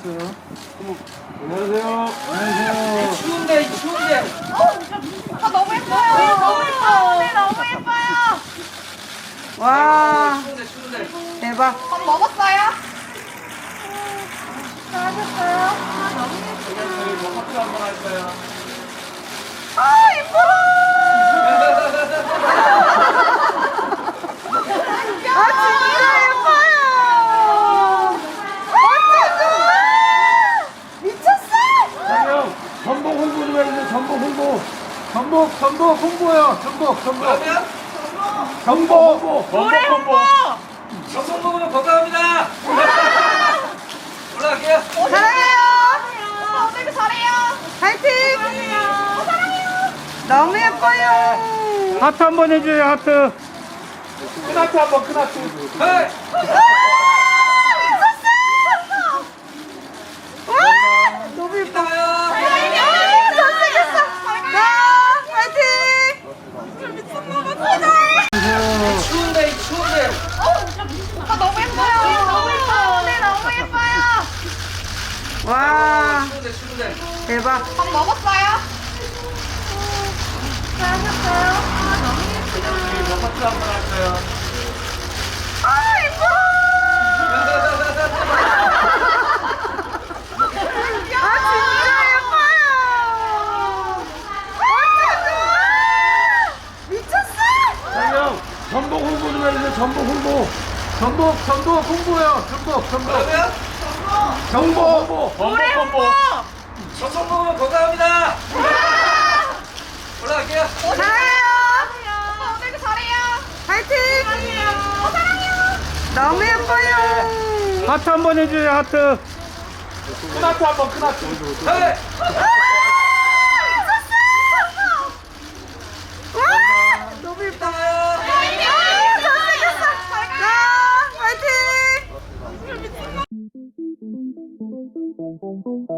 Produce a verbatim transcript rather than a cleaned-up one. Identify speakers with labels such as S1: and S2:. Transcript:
S1: 하트.
S2: 안녕하세요.
S1: 안녕하세요.
S3: 추운데 추운데.
S4: 아, 너무 예뻐요. 네, 너무 예뻐요. 네, 너무 예뻐요.
S3: 와. 추운데 추운데.
S4: 대박. 밥 먹었어요? 잘하셨어요? 아, 너무 예쁘다.
S3: 저희 뭐 하트 한번 할까요?
S4: 아, 예뻐. 아, 진짜 예뻐요. 어쩌죠? 미쳤어.
S2: 형, 전복 홍보 좀 해주세요. 전복 홍보. 전복, 전복 홍보요. 전복, 전복.
S3: 그러면
S2: 전복 홍보.
S4: 노래 홍보.
S3: 전복 먹으면 건강합니다. 올라갈게요.
S4: 사랑해요. 오빠 오늘도 잘해요. 파이팅. 사랑해요. 사랑해요. 너무 예뻐요.
S1: 하트 한번 해줘요, 하트.
S2: 큰 하트 한번, 큰 하트.
S3: 헤이.
S4: 너무 예뻐.
S3: 이따가요.
S4: 잘생겼어. 자, 파이팅.
S3: 추운데 추운데.
S4: 오빠 너무 예뻐요. 너무 예뻐요. 네, 너무 예뻐요. 와,
S3: 추운데 추운데.
S4: 대박. 밥 먹었어요? 잘하셨어요? 아, 너무 예쁘다.
S3: 저희 뭐 하트 한번 할까요?
S4: 아, 예뻐. 아, 진짜 예뻐요. 완전 좋아. 미쳤어.
S2: 형, 전복 홍보 좀 해주세요. 전복 홍보. 전복, 전복 홍보요. 전복, 전복.
S3: 그러면
S2: 전복 홍보.
S4: 노래 홍보.
S3: 전복 먹으면 건강합니다. 올라갈게요.
S4: 사랑해요. 오빠 오늘도 잘해요. 파이팅. 사랑해요. 어, 사랑해요. 너무 예뻐요.
S1: 하트 한번 해줘요, 하트.
S2: 큰 하트 한번, 큰 하트.
S3: 헤이.
S4: 와, 너무 예뻐.
S3: 이따가요.
S4: 아, 잘생겼어. 자, 파이팅.